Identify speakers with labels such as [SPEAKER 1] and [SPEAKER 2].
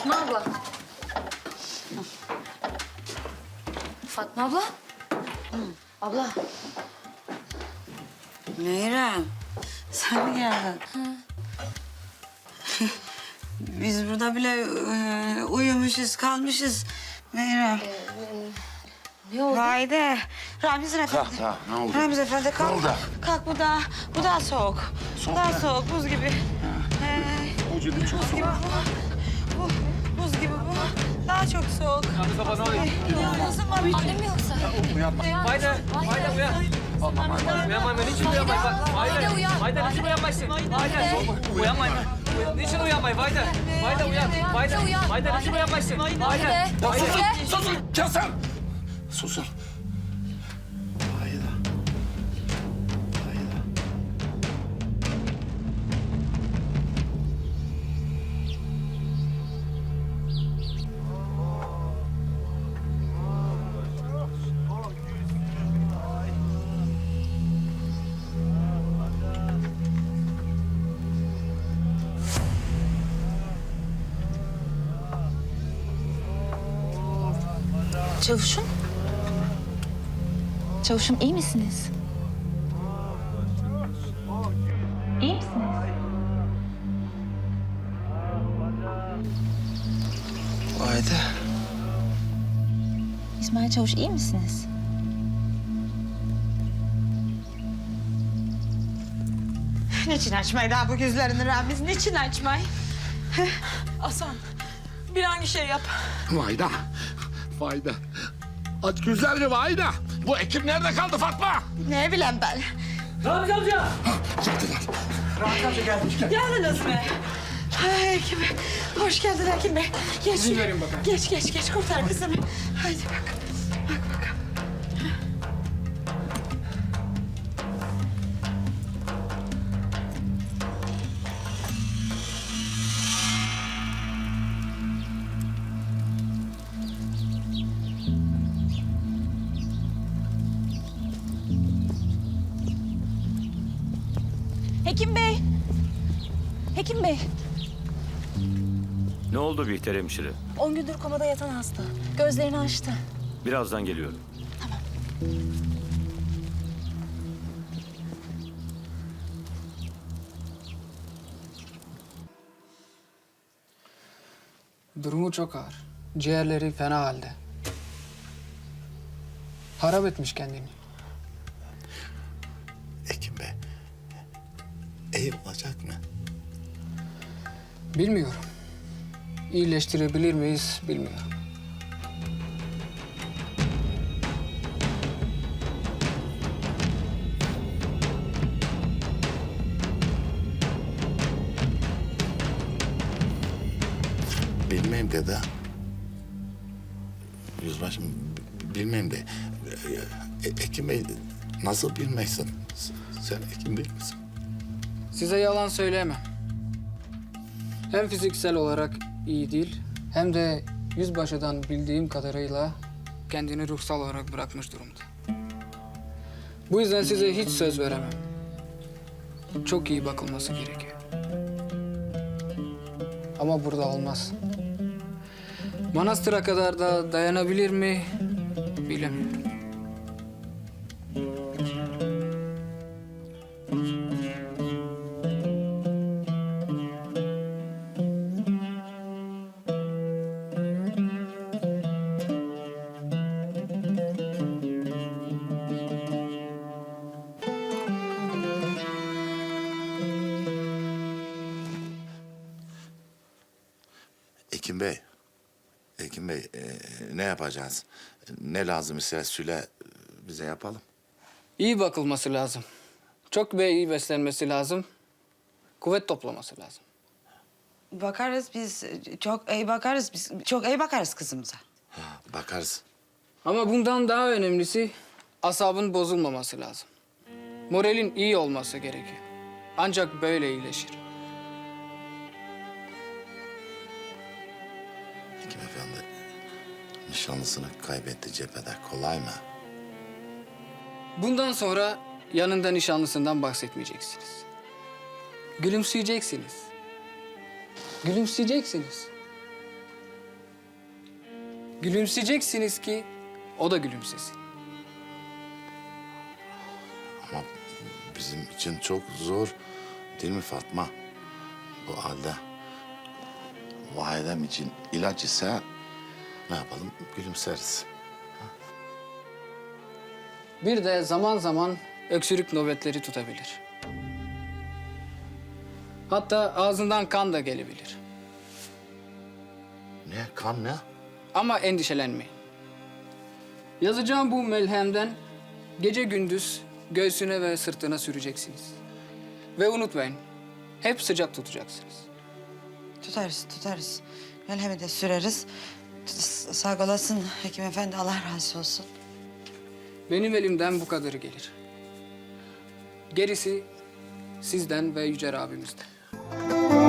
[SPEAKER 1] Fatma abla. Fatma abla. Abla.
[SPEAKER 2] Meyrem, sen mi geldin? Biz burada bile uyumuşuz, kalmışız. Meyrem.
[SPEAKER 1] Ne oldu?
[SPEAKER 2] Vayde. Ramiz Efendi.
[SPEAKER 3] Ne oldu?
[SPEAKER 2] Ramiz Efendi kalk.
[SPEAKER 3] Ne oldu?
[SPEAKER 2] Kalk, bu daha soğuk.
[SPEAKER 3] Soğuk
[SPEAKER 2] Daha
[SPEAKER 3] mu?
[SPEAKER 2] soğuk, buz gibi.
[SPEAKER 3] Vücudum çok
[SPEAKER 2] Buz gibi bu. Buz gibi bu. Daha çok soğuk.
[SPEAKER 4] Ramiz baba ne oluyor?
[SPEAKER 2] Nasıl var?
[SPEAKER 1] Annem mi yoksa?
[SPEAKER 3] Uyanma.
[SPEAKER 4] Haydi, haydi uyan. Uyanmayın, niçin uyanmayın?
[SPEAKER 1] Haydi uyan.
[SPEAKER 4] Haydi, niçin uyanmayın? Haydi, uyanmayın. Niçin uyanmayın? Haydi, haydi uyan. Haydi, haydi, niçin uyanmayın? Haydi.
[SPEAKER 3] Ya susun kesin. Susun. Hayda. Hayda.
[SPEAKER 5] Çavuşum. Çavuşum iyi misiniz? İyi misiniz?
[SPEAKER 3] Haydi.
[SPEAKER 5] İsmail Çavuş iyi misiniz?
[SPEAKER 2] Niçin açmayı daha bu gözlerini Ramiz? Niçin açmayı?
[SPEAKER 6] Hasan, bir hangi şey yap.
[SPEAKER 3] Vayda. Vayda. Aç gözlerini Vayda. Bu ekip nerede kaldı Fatma?
[SPEAKER 2] Ne bileyim ben.
[SPEAKER 4] Ramiz amca.
[SPEAKER 3] Çıktılar.
[SPEAKER 6] Geldiniz mi?
[SPEAKER 2] Hekim Bey, hoş geldin Hekim Bey. Geç. Geç, kurtar kızımı. Haydi bak. Bak bakalım.
[SPEAKER 5] Hekim Bey. Hekim Bey.
[SPEAKER 7] Ne oldu Bihter hemşire?
[SPEAKER 5] 10 gündür komada yatan hasta. Gözlerini açtı.
[SPEAKER 7] Birazdan geliyorum.
[SPEAKER 8] Durumu çok ağır. Ciğerleri fena halde. Harap etmiş kendini.
[SPEAKER 3] Ekim Bey. İyi olacak mı?
[SPEAKER 8] Bilmiyorum. İyileştirebilir miyiz bilmiyorum.
[SPEAKER 3] Bilmem dede. Yüzbaşım bilmem de. Ekim Bey nasıl bilmezsin? Sen Ekim değil misin?
[SPEAKER 8] Size yalan söyleyemem. Hem fiziksel olarak iyi değil, hem de yüzbaşıdan bildiğim kadarıyla kendini ruhsal olarak bırakmış durumda. Bu yüzden size hiç söz veremem. Çok iyi bakılması gerekiyor. Ama burada olmaz. Manastır'a kadar da dayanabilir mi bilemiyorum.
[SPEAKER 3] Ekim Bey. Ekim Bey ne yapacağız? Ne lazım ise söyle bize yapalım.
[SPEAKER 8] İyi bakılması lazım. Çok ve iyi beslenmesi lazım. Kuvvet toplaması lazım.
[SPEAKER 2] Bakarız biz, çok iyi bakarız biz. Çok iyi bakarız kızımıza.
[SPEAKER 3] Ha, bakarız.
[SPEAKER 8] Ama bundan daha önemlisi asabın bozulmaması lazım. Moralin iyi olması gerekiyor. Ancak böyle iyileşir.
[SPEAKER 3] Hekim Efendi nişanlısını kaybetti cephede. Kolay mı?
[SPEAKER 8] Bundan sonra yanında nişanlısından bahsetmeyeceksiniz. Gülümseyeceksiniz. Gülümseyeceksiniz. Gülümseyeceksiniz ki o da gülümsesin.
[SPEAKER 3] Ama bizim için çok zor değil mi Fatma? Bu halde validem için ilaç ise ne yapalım? Gülümseriz.
[SPEAKER 8] Bir de zaman zaman öksürük nöbetleri tutabilir. Hatta ağzından kan da gelebilir.
[SPEAKER 3] Ne? Kan ne?
[SPEAKER 8] Ama endişelenmeyin. Yazacağım bu melhemden gece gündüz göğsüne ve sırtına süreceksiniz. Ve unutmayın, hep sıcak tutacaksınız.
[SPEAKER 2] Tutarız. Melhemi de süreriz. Sağ olasın hekim efendi, Allah razı olsun.
[SPEAKER 8] Benim elimden bu kadarı gelir. Gerisi sizden ve Yüce Rabbimizden.